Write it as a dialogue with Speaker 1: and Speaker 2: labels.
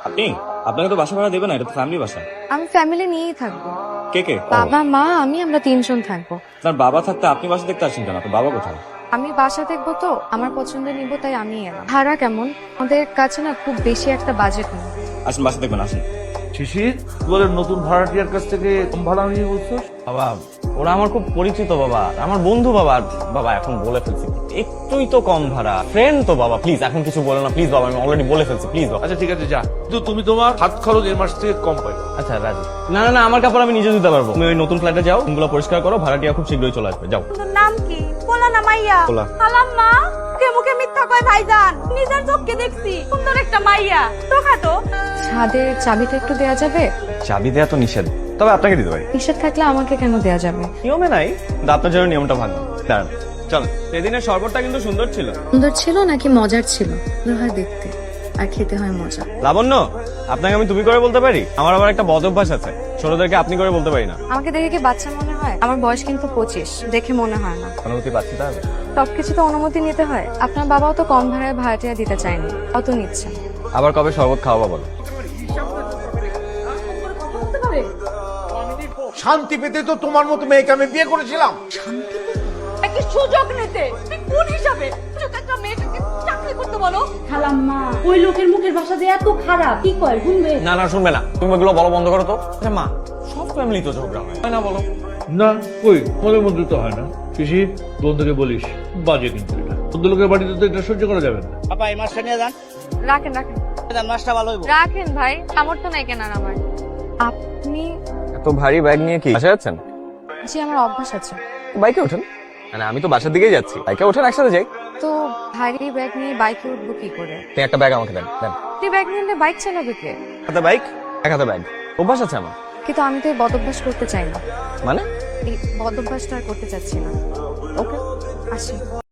Speaker 1: আপনি আপনাকে তো বাসা ভাড়া দেবে না, এটা তো ফ্যামিলি বাসা।
Speaker 2: আমি ফ্যামিলি নিয়েই থাকবো।
Speaker 1: কে কে?
Speaker 2: বাবা মা আমি আমরা তিনজন থাকবো।
Speaker 1: আপনার বাবা থাকতে আপনি বাসা দেখতে আসছেন কেন? আপনার বাবা কোথায়?
Speaker 2: আমি বাসা দেখবো তো আমার পছন্দের নিবো, তাই আমি এলাম। ভাড়া কেমন? আমাদের কাছে না খুব বেশি একটা বাজেট নেই।
Speaker 1: আসুন বাসা দেখবেন, আসুন।
Speaker 3: শিশির বলে নতুন ভাড়াটিয়ার কাছ থেকে কম ভাড়া নিয়ে বলছোস?
Speaker 4: বাবা ওরা আমার খুব পরিচিত বাবা, আমার বন্ধু বাবা। আর বাবা এখন বলে ফেলছি, একটুই তো কম ভাড়া, ফ্রেন্ড তো বাবা, প্লিজ এখন কিছু বলো না প্লিজ বাবা, আমি অলরেডি বলে ফেলছি প্লিজ বাবা।
Speaker 3: আচ্ছা ঠিক আছে যা, কিন্তু তুমি তোমার হাত খরচ এর মাস থেকে কম পাই।
Speaker 4: আচ্ছা রাজি। না না না, আমার কাপড় আমি নিজে ধুতে পারবো। তুমি ওই নতুন ফ্ল্যাটে যাও, রুমগুলো পরিষ্কার করো, ভাড়াটিয়া খুব শীঘ্রই চলে আসবে, যাও।
Speaker 5: তোর নাম কি? পোলা না মাইয়া?
Speaker 4: পোলা।
Speaker 5: আলাম্মা মুখে মুখে মিথ্যা কয় ভাইজান, নিজের চোখকে দেখছি সুন্দর একটা মাইয়া। তোকা তো
Speaker 2: ছাদের চাবিটা একটু দেয়া যাবে?
Speaker 4: চাবি দেয়া তো নিষেধ, তবে আপনাকে দিতে পারি।
Speaker 2: নিষেধ থাকলে আমাকে কেন দেয়া যাবে?
Speaker 4: নিয়মে নাই, কিন্তু আপনার জন্য নিয়মটা ভালো। দাঁড়ান চলেন। সেদিনের শরবতটা কিন্তু সুন্দর ছিল।
Speaker 2: সুন্দর ছিল নাকি মজার ছিল? সুন্দর হয় দেখতে আর খেতে হয় মজা।
Speaker 4: লাবণ্য, আপনাকে আমি তুমি করে বলতে পারি? আমার আবার একটা বদ অভ্যাস আছে, ছোটদেরকে আপনি করে বলতে পারি না।
Speaker 2: আমাকে দেখে কি বাচ্চা মনে হয়? আমার বয়স কিন্তু 25, দেখে মনে হয় না।
Speaker 4: অনুমতি পাচ্ছি তাহলে?
Speaker 2: সবকিছু তো অনুমতি নিতে হয়। আপনার বাবাও তো কম ভাড়ায় ভাড়াটিয়া দিতে চায়নি, কত নিচ্ছেন?
Speaker 4: আবার কবে শরবত খাওয়াবো বলো?
Speaker 3: শান্তি পেতে তো তোমার মতো মেয়েকে আমি বিয়ে করেছিলাম।
Speaker 5: একটা সুযোগ নিতে তুই কোন হিসাবে সুযোগ একটা মেয়েটাকে চাকরি করতে বলো?
Speaker 6: খালাম্মা ওই লোকের মুখের ভাষা যে এত খারাপ, কি কয় শুনবে?
Speaker 4: না না শুনবে না, তুমি এগুলো বলো বন্ধ করো তো। আচ্ছা মা, সব ফ্যামিলি তো ঝগড়া হয়, তাই না বলো?
Speaker 3: না কই, মনের মধ্যে তো হয় না। শিশির বন্ধুকে বলিস, বাজে কিন্তু এটা বন্ধু লোকের বাড়িতে তো এটা সহ্য করা যাবে না।
Speaker 7: আপা এই মাছটা নিয়ে যান,
Speaker 2: রাখেন রাখেন
Speaker 7: মাছটা ভালো হইব।
Speaker 2: রাখেন ভাই, সামর্থ্য নাই কেনার আমার। আপনি?
Speaker 4: এত ভারী ব্যাগ নিয়ে কি বাসায় যাচ্ছেন?
Speaker 2: জি আমার অভ্যাস আছে।
Speaker 4: বাইকে ওঠেন। মানে আমি তো বাসার দিকেই যাচ্ছি, বাইকে ওঠেন একসাথে যাই।
Speaker 2: তো ভারী ব্যাগ নিয়ে বাইকে উঠবো কি করে?
Speaker 4: আপনি একটা ব্যাগ আমাকে দেন দেন।
Speaker 2: আপনি ব্যাগ নিলে বাইক চালাবে কে?
Speaker 4: হাতে বাইক, এক হাতে ব্যাগ, অভ্যাস আছে আমার।
Speaker 2: কিন্তু আমি তো এই বদভ্যাস করতে চাই না।
Speaker 4: মানে
Speaker 2: এই বদভ্যাসটা আর করতে চাচ্ছি না।
Speaker 4: ওকে।
Speaker 2: আসি।